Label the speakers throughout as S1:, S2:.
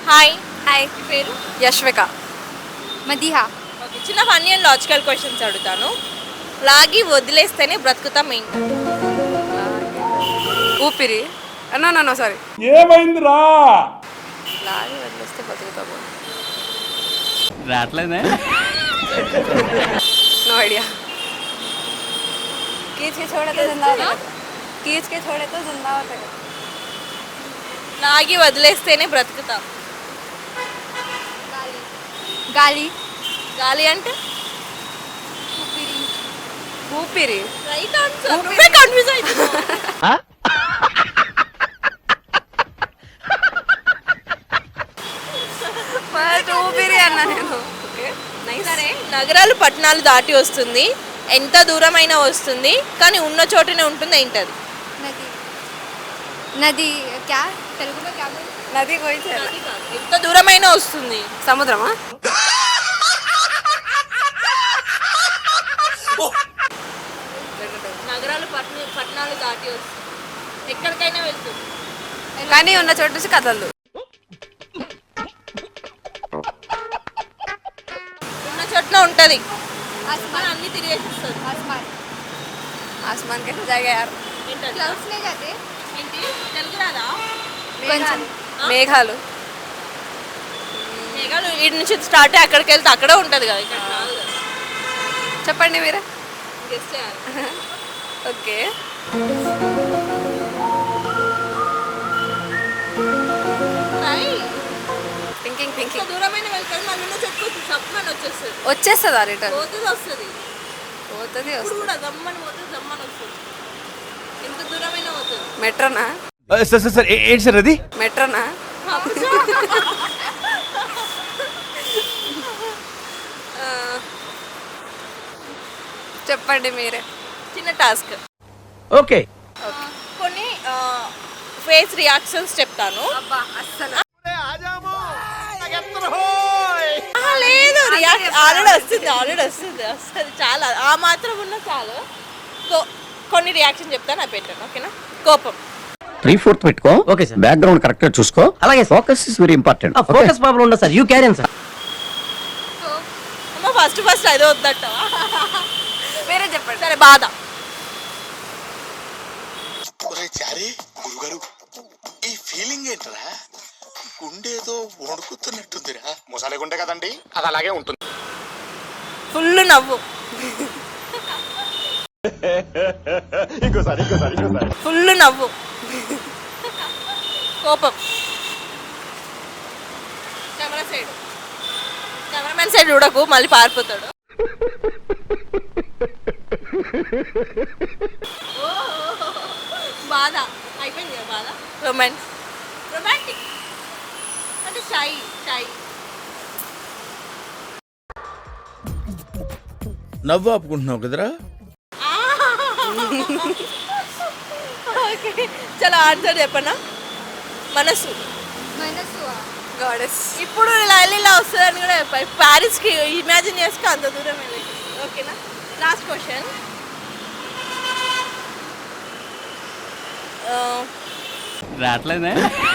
S1: Hi.
S2: Hi,
S1: మీ పేరు?
S2: Yashvika.
S3: Madiha.
S1: Okay, చిన్న ఫన్నీ అండ్ లాజికల్ క్వశ్చన్స్ అడుగుతాను. లాగి వదిలేస్తేనే బ్రతుకుతాం ఏంటి?
S2: ఊపిరి. No sorry.
S4: ఏమైందిరా?
S2: లాగి వదిలేస్తే బతుకుతాము.
S5: రావట్లేదే.
S2: No idea. खींच के छोड़े तो जिंदा होता है. खींच के छोड़े तो जिंदा होता है.
S1: లాగి వదిలేస్తేనే బ్రతుకుతాం.
S3: గాలి.
S1: గాలి అంటే
S2: ఊపిరి.
S1: Right answer. నువ్వే కన్ఫ్యూజ్ అవుతున్నావు.
S2: ఫస్ట్ ఊపిరి అన్నా నేను. Okay, nice.
S1: సరే, నగరాలు పట్టణాలు దాటి వస్తుంది, ఎంత దూరమైనా వస్తుంది, కానీ ఉన్న చోటనే ఉంటుంది. ఏంటది?
S3: నది. నది క్యా తెలుగు में क्या बोलते
S2: నది కోయి చేయాలి.
S1: నది కాదు, ఎంత దూరమైనా వస్తుంది.
S2: సముద్రమా?
S1: నగరాలు పట్టణాలు దాటి వస్తుంది, ఎక్కడికైనా వెళ్తుంది.
S2: కానీ ఉన్న చోటు నుంచి కదలదు.
S1: ఉన్న చోటనే ఉంటుంది,
S3: आसमान.
S1: అన్ని తిరిగేసిస్తుంది.
S3: आसमान.
S2: ఆస్మాన్ కే జాగా యార్.
S1: ఏంటది?
S3: क्लाउड्स ले जाते.
S1: ఏంటి? తెలుగు రాదా?
S3: కొంచెం.
S2: మేఘాలు.
S1: మేఘాలు ఇటు నుంచి స్టార్ట్ అయ్యి అక్కడికి వెళ్తే అక్కడే ఉంటుంది కదా, ఇక్కడ రాదు కదా.
S2: చెప్పండి మీరే.
S1: గెస్ చేయాలి.
S2: ఓకే.
S1: Try.
S2: థింకింగ్
S1: ఎంత
S2: థింకింగ్.
S1: దూరమైన వెళ్తుంది, మళ్ళీ ఉన్న చెట్టుకు సప్మని వచ్చేస్తుంది.
S2: వచ్చేస్తుందా రిటర్న్?
S1: పోతుంది వస్తుంది.
S2: పోతుంది
S1: ఇప్పుడు
S2: వస్తుంది.
S1: కూడా దమ్మని పోతుంది, దమ్మని వస్తుంది. ఎంత దూరమైన పోతుంది.
S2: మెట్రోనా?
S5: సార్ ఏంటి సార్ అది?
S2: మెట్రోనా? చెప్పండి మీరే.
S1: చిన్న టాస్క్.
S5: ఓకే.
S1: కొన్ని ఫేస్ రియాక్షన్స్ చెప్తాను.
S2: అబ్బా అస్సలు.
S1: లేదు, ఆల్రెడీ వస్తుంది. చాలా ఆ మాత్రం ఉన్న చాలు. కొన్ని రియాక్షన్ చెప్తాను, అవి పెట్టాను. ఓకేనా? కోపం.
S6: 3/4 పెట్టుకో.
S5: Okay sir.
S6: బ్యాక్గ్రౌండ్ కరెక్ట్ గా చూసుకో.
S5: అలాగే sir.
S6: Focus is very important.
S5: Focus problem ఉండదు సార్, యూ క్యారీ సార్.
S1: అమ్మ ఫస్ట్ అదే వద్దట్టవా?
S2: మీరే చెప్పండి.
S1: సరే, బాధ.
S7: చారి గురుగారు, ఈ ఫీలింగ్ ఏంట్రా? గుండేదో వణుకుతున్నట్టుందిరా. మొసాలే గుండె కదండి, అది అలాగే ఉంటుంది.
S1: ఫుల్ నవ్వు.
S7: ఇంకోసారి
S1: ఫుల్ నవ్వు. కోపం. కెమెరామెన్ సైడ్ చూడకు, మళ్ళీ పారిపోతాడు. బాధ అయిపోయింది కదా. బాధ. రొమాంటిక్ అంటే షై.
S4: నవ్వు ఆపుకుంటున్నావు కదరా?
S1: ఓకే, చాలా ఆన్సర్ చెప్పనా? మనసు.
S3: మనసు.
S2: గాడెస్.
S1: ఇప్పుడు లైలీలా వస్తుందని కూడా చెప్పాలి. ప్యారిస్కి ఇమాజిన్ చేసుకో, అంత దూరం వెళ్ళి. ఓకేనా? Last question.
S5: రావట్లేదే.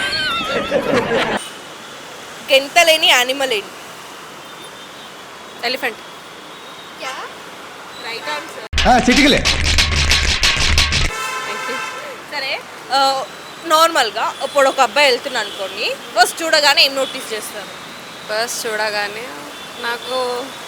S1: గెంతలేని యానిమల్ ఏంటి?
S2: ఎలిఫెంట్.
S3: क्या
S1: రైట్ ఆన్సర్.
S6: చిటికలే.
S2: Thank you.
S1: సరే, నార్మల్గా ఇప్పుడు ఒక అబ్బాయి వెళ్తున్నా అనుకోండి, ఫస్ట్ చూడగానే ఏం నోటీస్ చేస్తారు?
S2: ఫస్ట్ చూడగానే నాకు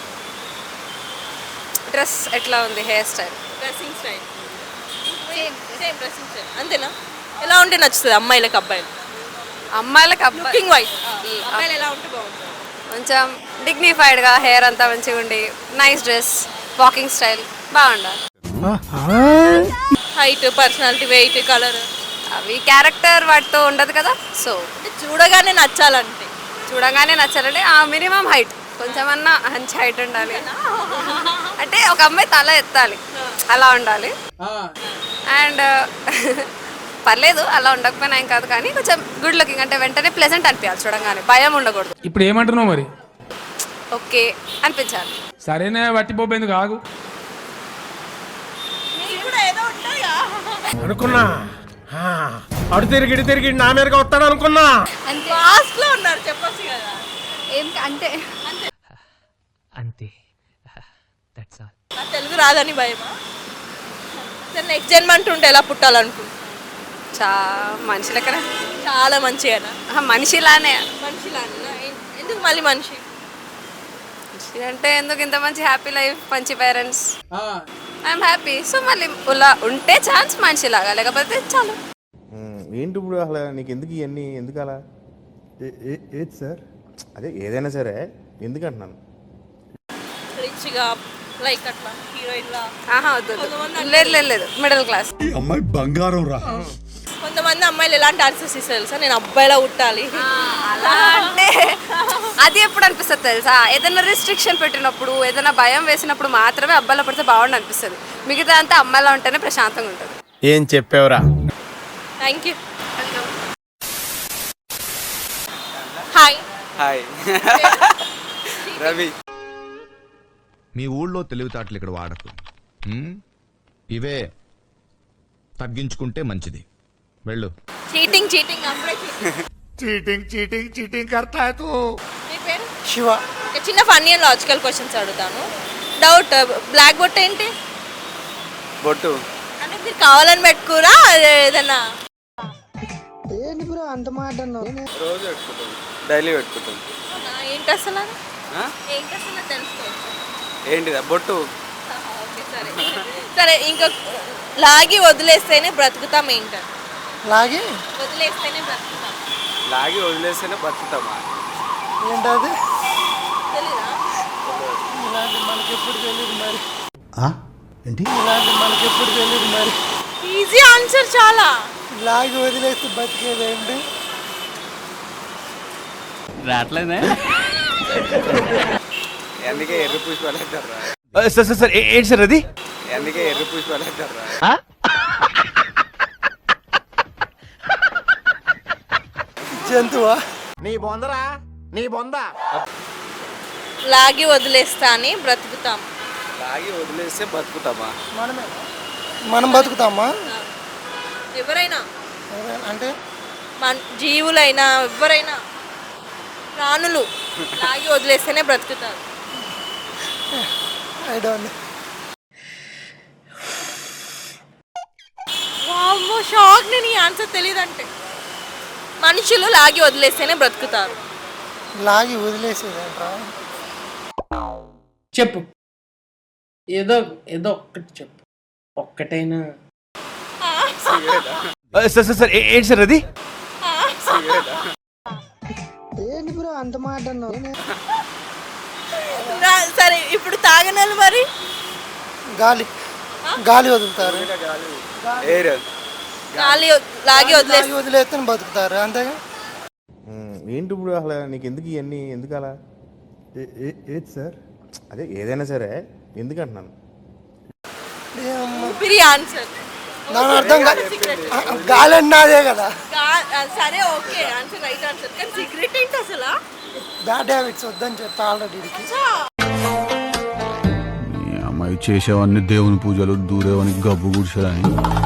S2: డ్రెస్ ఎట్లా ఉంది, hair style.
S1: Dressing style.
S3: Same.
S1: Dressing style అంతేనా? ఎలా ఉంటే నచ్చుతుంది అమ్మాయిలకు అబ్బాయిలు?
S2: అమ్మాయిలకు అబ్బాయి
S1: లుకింగ్ వైజ్ అబ్బాయిలు ఎలా ఉంటే బాగుంటుంది?
S2: కొంచెం డిగ్నిఫైడ్గా, హెయిర్ అంతా మంచిగా ఉండి, నైస్ డ్రెస్, వాకింగ్ స్టైల్ బాగుండాలి.
S1: హైట్, పర్సనాలిటీ, వెయిట్, కలర్,
S2: అవి క్యారెక్టర్ వాటితో ఉండదు కదా. సో
S1: అంటే చూడగానే నచ్చాలంటే
S2: చూడగానే నచ్చాలంటే ఆ మినిమం హైట్, కొంచెమన్నా మంచి హైట్ ఉండాలి. అంటే ఒక అమ్మాయి తల ఎత్తాలి, అలా ఉండాలి. అండ్ పర్లేదు అలా ఉండకపోయినా ఏం కాదు, కానీ కొంచెం గుడ్ లుకింగ్, అంటే వెంటనే ప్లెజెంట్ అనిపించాలి చూడంగానే, భయం ఉండకూడదు.
S4: ఇప్పుడు ఏమంటున్నావు మరి?
S2: ఓకే అనిపించాలి.
S4: సరేనే వట్టిపోయింది కాగు
S1: కూడా ఏదో ఉంటుంది
S4: అనుకున్నా.
S5: అటు తిరిగి నా మీదకి వస్తాడు అనుకున్నా.
S3: అంతే
S1: లాస్ట్ లో ఉన్నారు చెప్పొచ్చు కదా.
S3: అంతే
S5: అంతే దట్స్ ఆల్.
S1: నా తెలుగు రాదని భయమా? సరే నెక్స్ట్ జన్మ అంటుంటే ఎలా పుట్టాలనుకుంటున్నా?
S2: మనిషి లెక్కన
S1: చాలా మంచిగా
S2: మనిషిలానే.
S1: మనిషిలాగా ఎందుకు మళ్ళీ మనిషి?
S2: మనిషి అంటే ఎందుకు ఇంత మంచి హ్యాపీ లైఫ్, మంచి పేరెంట్స్, ఐఎమ్ హ్యాపీ. సో మళ్ళీ ఇలా ఉంటే ఛాన్స్ మనిషిలాగా, లేకపోతే చాలు.
S8: ఏంటి ఇప్పుడు అసలు నీకు ఎందుకు ఇవన్నీ ఎందుకు అలా? ఏది సార్? అదే ఏదైనా సరే ఎందుకు అంటున్నాను.
S1: రిచ్గా లైక్ అట్లా హీరోయిన్ లా.
S2: వద్దు లేదు మిడిల్ క్లాస్.
S7: అమ్మాయి బంగారం రా.
S1: కొంతమంది అమ్మాయిలు ఎలాంటి ఆన్సర్స్ ఇస్తారు తెలుసా? నేను అబ్బాయిలా ఉట్టాలి
S2: అలా అంటే అది ఎప్పుడు అనిపిస్తుంది తెలుసా? ఏదైనా రిస్ట్రిక్షన్ పెట్టినప్పుడు, ఏదైనా భయం వేసినప్పుడు మాత్రమే అబ్బాయిలో పడితే బాగుండి అనిపిస్తుంది. మిగతా అంతా అమ్మాయిలో ఉంటేనే ప్రశాంతంగా ఉంటుంది.
S5: ఏం చెప్పావురా?
S1: Thank you. Hi.
S5: Hi Ravi.
S9: మీ ఊళ్ళో తెలివితేటలు ఇక్కడ వాడకు. ఇవే తగ్గించుకుంటే మంచిది. వెళ్ళు.
S1: చీటింగ్ అప్పుడే
S7: చీటింగ్ करता है तू.
S1: మీ పేరు?
S8: శివ.
S1: ఒక చిన్న ఫన్నీ అండ్ లాజికల్ క్వశ్చన్స్ అడుగుతాను. డౌట్, బ్లాక్ బొట్టు ఏంటి?
S5: బొట్టు
S1: అంటే మీరు కావాలని పెట్టుకురా ఏదన్నా?
S5: రోజు పెట్టుకుంటాం, డైలీ పెట్టుకుంటాం.
S1: అవునా? ఏంటి అసలు తెలుసుకోవచ్చు.
S5: ఏంటిదా బొట్టు?
S1: ఓకే సరే ఇంకా లాగి వదిలేస్తేనే బ్రతుకుతాం ఏంటి?
S8: లాగే
S1: వదిలేస్తేనే బ్రతుకుతాం.
S5: లాగి వదిలేస్తేనే బతుకుతామా?
S8: ఏంటది?
S1: తెలీదా?
S8: ఇలాంటి మనకెప్పుడు తెలియదు మరి. ఇలాంటి మనకెప్పుడు తెలియదు మరి.
S1: ఈజీ ఆన్సర్ చాలా.
S8: లాగి వదిలేస్తే బతికేది ఏంటి?
S5: రావట్లేదే. అందుకే ఎర్ర పుష్పాలు వేస్తారా? సార్ ఏంటి సార్ అది? అందుకే ఎర్ర పుష్పాలు వేస్తారా?
S8: జంతువా?
S7: నీ బొందరా నీ బొంద.
S1: లాగి వదిలేస్తానే బ్రతుకుతాం.
S5: లాగి వదిలేస్తే బతుకుతామా?
S8: మనం బతుకుతామా?
S1: ఎవరైనా
S8: అంటే
S1: జీవులైనా ఎవరైనా ప్రాణులు లాగి వదిలేస్తేనే బ్రతుకుతారు.
S8: I don't know.
S1: వామ్మో షాక్. నేను ఈ ఆన్సర్ తెలియదంటే. మనుషులు లాగి వదిలేస్తేనే బ్రతుకుతారు.
S8: లాగి వదిలేసేదంట్రా?
S10: చెప్పు, ఏదో ఒక్కటి చెప్పు, ఒక్కటైనా.
S5: సార్ ఏంటి సార్ అది?
S8: ఏంటి బ్రో అంత మాట అన్నావు?
S1: సరే ఇప్పుడు తాగనలు మరి
S8: గాలి వదులుతారు.
S5: ఎయిర్
S1: లాగి
S8: వదిలేస్తే బతుకుతారు అంతేగా. ఏంటి ఇప్పుడు అసలు నీకు ఎందుకు ఇవన్నీ ఎందుకు అలా? ఏది సార్? అదే ఏదైనా సరే ఎందుకు అంటున్నాను.
S1: ఆన్సర్
S8: దాని అర్థం గాలి అన్నదే కదా.
S1: సరే ఓకే ఆన్సర్ రైట్ ఆన్సర్. కానీ సీక్రెట్ ఏంటి అసలు?
S8: బ్యాడ్ హ్యాబిట్స్ వద్దని చెప్పి ఆల్రెడీ.
S9: అమ్మాయి చేసేవన్నీ దేవుని పూజలు, దూరేవని గబ్బు గుడిసెలని.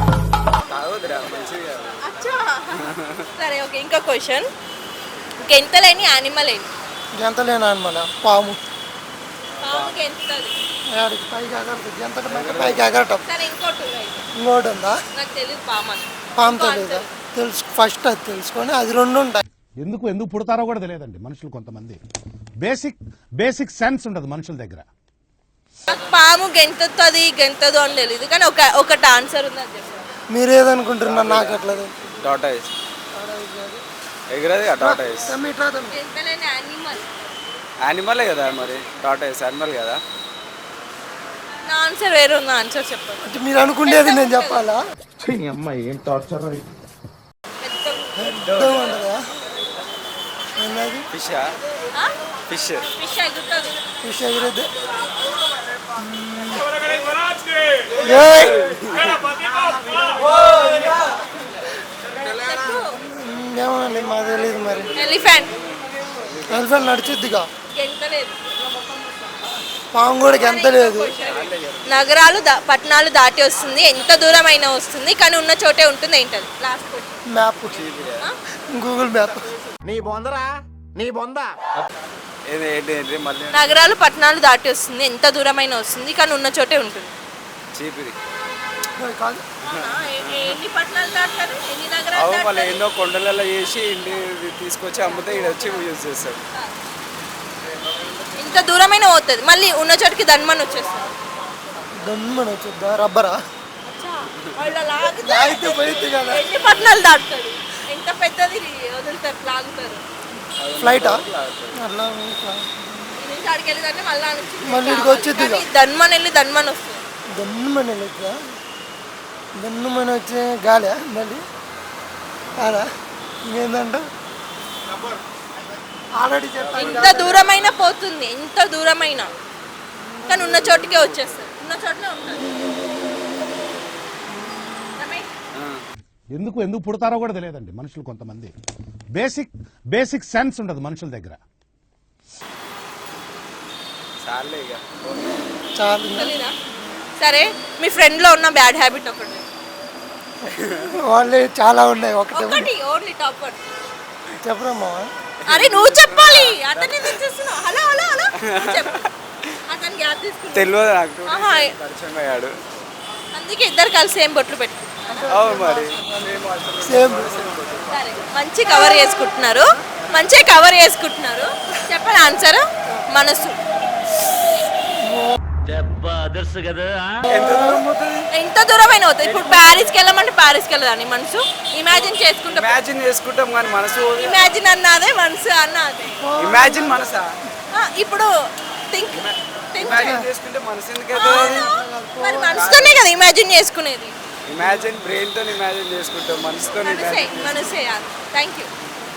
S1: సరే ఓకే ఇంకో క్వశ్చన్. గెంతలేని యానిమల్ ఏంటి?
S8: గెంతలేని యానిమల్ పాము.
S1: పాము గెంతది.
S8: పైకి ఎగరదు. గెంతడం పైకి ఎగరటం.
S1: సరే ఇంకోటి
S8: ఉందా?
S1: నాకు తెలియదు పాము.
S8: పాము తెలియదా? తెలుసు. ఫస్ట్ అది తెలుసుకొని అది రెండు ఉంటాయి.
S9: ఎందుకు పుడతారో కూడా తెలియదండి మనుషులు. కొంతమంది బేసిక్ సెన్స్ ఉండదు మనుషుల దగ్గర.
S1: పాము గెంతదు అని తెలియదు. కానీ ఒకటి ఆన్సర్ ఉంది అది చెప్పారు.
S8: మీరేదనుకుంటున్నారు? నాకు అట్లా
S5: టాటాయిస్ ఎగరది. టాటాయిస్
S1: గెంతలేని యానిమల్.
S5: యానిమలే కదా మరి. టాటాయిస్ యానిమల్ కదా.
S1: నా ఆన్సర్ వేరే ఉంది. ఆన్సర్ చెప్పండి.
S8: అంటే మీరు అనుకునేది నేను చెప్పాలా?
S9: అమ్మాయి ఏం టార్చర్.
S5: ఫిష్ ఫిష్
S1: ఫిష్ ఎగురుతుంది.
S8: ఫిష్ ఎగిరేది. ఏమోనండి మాకు తెలియదు మరి.
S1: ఎలిఫెంట్
S8: నడిచిద్దిగా.
S1: గెంతలేదు.
S11: పాంగోడికి ఎంత లేదు.
S1: నగరాలు పట్టణాలు దాటి వస్తుంది, ఎంత దూరం అయినా వస్తుంది, కానీ ఉన్న చోటే ఉంటుంది. ఏంటది last question?
S11: Map, Google map.
S7: నీ బొందరా నీ బొంద.
S5: ఏంటి మళ్ళీ
S1: నగరాలు పట్టణాలు దాటి వస్తుంది, ఎంత దూరం అయినా వస్తుంది, కానీ ఉన్న చోటే ఉంటుంది.
S5: చీపిరి.
S11: కాదు,
S1: ఎన్ని పట్టణాలు దాటారు, ఎన్ని
S5: అవు
S1: నగరాలు
S5: మళ్ళీ
S1: దాటారు?
S5: ఎన్నో కొండలలో చేసి ఇంటి తీసుకొచ్చి అమ్మితే ఇక్కడ వచ్చి యూజ్ చేస్తాడు.
S1: ఎంత దూరమైనా పోతుంది, మళ్ళీ ఉన్న చోటికి ధన్మని వచ్చేస్తుంది.
S11: దమ్మని వచ్చేద్దా? రబ్బరా
S1: లాగితే
S11: పోయింది కదా.
S1: ఎన్ని పట్టణాలు దాటుతాడు, ఎంత పెద్దది వదులుతారు, లాగుతారు.
S11: ఫ్లైటా? అట్లా
S1: ఈ నుంచి అడిగి వెళ్ళిందంటే మళ్ళీ
S11: మళ్ళీ ఇక్కడికి వచ్చింది ఇక.
S1: ధన్మని వెళ్ళి ధన్మని వస్తుంది.
S11: దన్నుమని వెళ్ళొద్దా? దన్నుమని వచ్చే గాలి మళ్ళీ కాదా? ఇంకేందంట ఆల్రెడీ చెప్పాను.
S1: ఎంత దూరమైనా పోతుంది, ఎంత దూరమైనా, కానీ ఉన్న చోటుకే వచ్చేస్తుంది, ఉన్న చోటనే ఉంటుంది.
S9: ఎందుకు పుడతారో కూడా తెలియదండి మనుషులు కొంతమంది. బేసిక్ సెన్స్ ఉండదు మనుషుల దగ్గర.
S5: చాలే ఇక.
S11: చాలు.
S1: తెలీదా? సరే, మీ ఫ్రెండ్లో ఉన్న బ్యాడ్ హ్యాబిట్ ఒకటి
S11: వాళ్ళే చాలా ఉన్నాయి. ఒకటి
S1: ఒకటి ఓన్లీ టాప్ వన్
S11: చెప్పరమ్మా.
S1: అరే నువ్వు చెప్పాలి, అతన్ని తెచ్చేస్తున్నావు. హలో హలో హలో చెప్పు. అతను గ్యాప్ తీసుకున్నాడు,
S5: తెలియదు నాకు.
S1: ఆహా.
S5: పరిచయం అయ్యాడు.
S1: అందుకే ఇద్దరు కలిసి సేమ్ బొట్లు పెట్టు.
S5: అవును మరి.
S11: సేమ్.
S1: సరే, మంచి కవర్ చేసుకుంటున్నారు, మంచిగా కవర్ చేసుకుంటున్నారు. చెప్పండి ఆన్సర్. మనసు. ఎంత దూరమైన అవుతుంది. ఇప్పుడు ప్యారిస్కి వెళ్ళమంటే ప్యారిస్కి వెళ్ళదని మనసు ఇమాజిన్ చేసుకుంటాం.
S5: ఇమాజిన్ చేసుకుంటాం కానీ మనసు
S1: ఇమాజిన్ అన్నదే, మనసు అన్నదే.
S5: ఇమాజిన్ మనసా?
S1: ఇప్పుడు థింక్
S5: ఇమాజిన్ చేసుకుంటే మనసు ఎందుకైతే?
S1: మరి మనసుతోనే కదా ఇమాజిన్ చేసుకునేది.
S5: ఇమాజిన్ బ్రెయిన్ తో ఇమాజిన్ చేసుకుంటాం, మనసుతో
S1: మనసే. Thank you.